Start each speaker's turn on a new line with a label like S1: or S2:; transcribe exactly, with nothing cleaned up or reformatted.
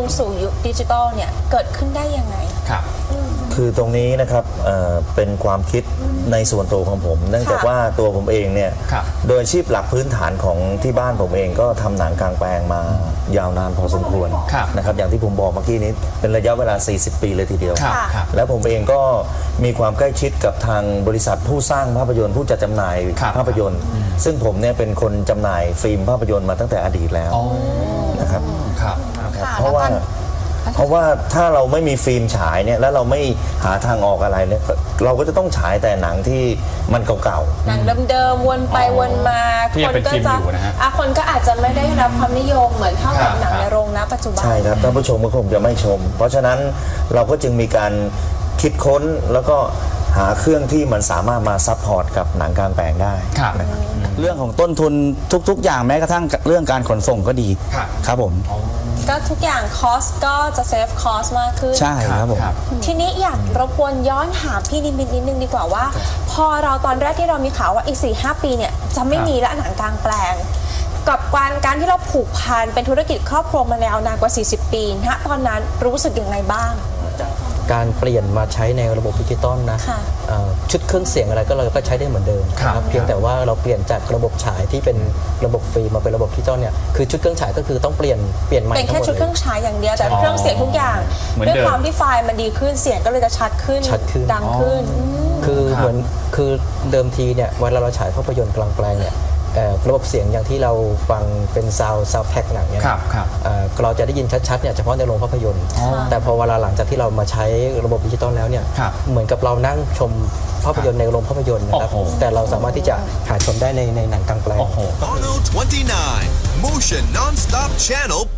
S1: สู่ยุคดิจิทัลเนี่ยเกิดขึ้นได้ยังไง
S2: ครับ
S3: คือตรงนี้นะครับเอ่อเป็นความคิดในส่วนตัวของผม เนื่องจากว่าตัวผมเองเนี่ยโดยอาชีพหลักพื้นฐานของที่บ้านผมเองก็ทำหนังกลางแปลงมายาวนานพอสมควรนะครับอย่างที่ผมบอกเมื่อกี้นี้เป็นระยะเวลาสี่สิบปีเลยทีเดียวแล้วผมเองก็มีความใกล้ชิดกับทางบริษัทผู้สร้างภาพยนตร์ผู้จัดจำหน่ายภาพยนตร์ซึ่งผมเนี่ยเป็นคนจำหน่ายฟิล์มภาพยนตร์มาตั้งแต่อดีตแล้วนะครับเพราะว่าเพราะว่าถ้าเราไม่มีฟิล์มฉายเนี่ยแล้วเราไม่หาทางออกอะไรเนี่ยเราก็จะต้องฉายแต่หนังที่มันเก่าๆ
S1: หนังเดิมๆวนไปวนมาคนก็จะอ่ะคนก็อาจจะไม่ได้รับความนิยมเหมือนเท่ากับหนังในโรงณปัจจุบัน
S3: ใช่ครับท่านผู้ชมก็คงจะไม่ชมเพราะฉะนั้นเราก็จึงมีการคิดค้นแล้วก็หาเครื่องที่มันสามารถมาซัพพอร์ตกับหนังกลางแปลงได้นะครับ
S4: เรื่องของต้นทุนทุกๆอย่างแม้กระทั่งเรื่องการขนส่งก็ดีครับผม
S1: ก็ทุกอย่างคอสก็จะเซฟคอสมากขึ้น
S4: ใช่ครับผม
S1: ทีนี้อยากรบกวนย้อนถามพี่นิมิตนิดนึงดีกว่าว่าพอเราตอนแรกที่เรามีข่าวว่าอีก สี่ห้า ปีเนี่ยจะไม่มีละหนังกลางแปลงกับการการที่เราผูกพันเป็นธุรกิจครอบครัวมายาวนานกว่าสี่สิบปีณตอนนั้นรู้สึกยังไงบ้าง
S5: การเปลี่ยนมาใช้ในระบบดิจิตอลนะชุดเครื่องเสียงอะไรก็เราก็ใช้ได้เหมือนเดิมครับเพียงแต่ว่าเราเปลี่ยนจากระบบฉายที่เป็นระบบฟิล์มมาเป็นระบบดิจิตอลเนี่ยคือชุดเครื่องฉายก็คือต้องเปลี่ยนเปลี่ยนใหม่
S1: เป็นแค่ชุดเครื่องฉายอย่างเดียวแต่เครื่องเสียงทุกอย่างด้วยความที่ไฟล์มันดีขึ้นเสียงก็เลยจะชัดขึ้นดังขึ้น
S5: คือเหมือนคือเดิมทีเนี่ยเวลาเราฉายภาพยนตร์กลางแปลงเนี่ยระบบเสียงอย่างที่เราฟังเป็นซาวด์ซาวด์แพ็กหนังเนี่ยเราจะได้ยินชัดๆเนี่ยเฉพาะในโรงภาพยนตร์แต่พอเวลาหลังจากที่เรามาใช้ระบบดิจิตอลแล้วเนี่ยเหมือนกับเรานั่งชมภาพยนตร์ในโรงภาพยนตร์นะครับแต่เราสามารถที่จะหาชมได้ในในหนังกลางแปลง
S6: Channel twenty-nine Motion Non-Stop Channel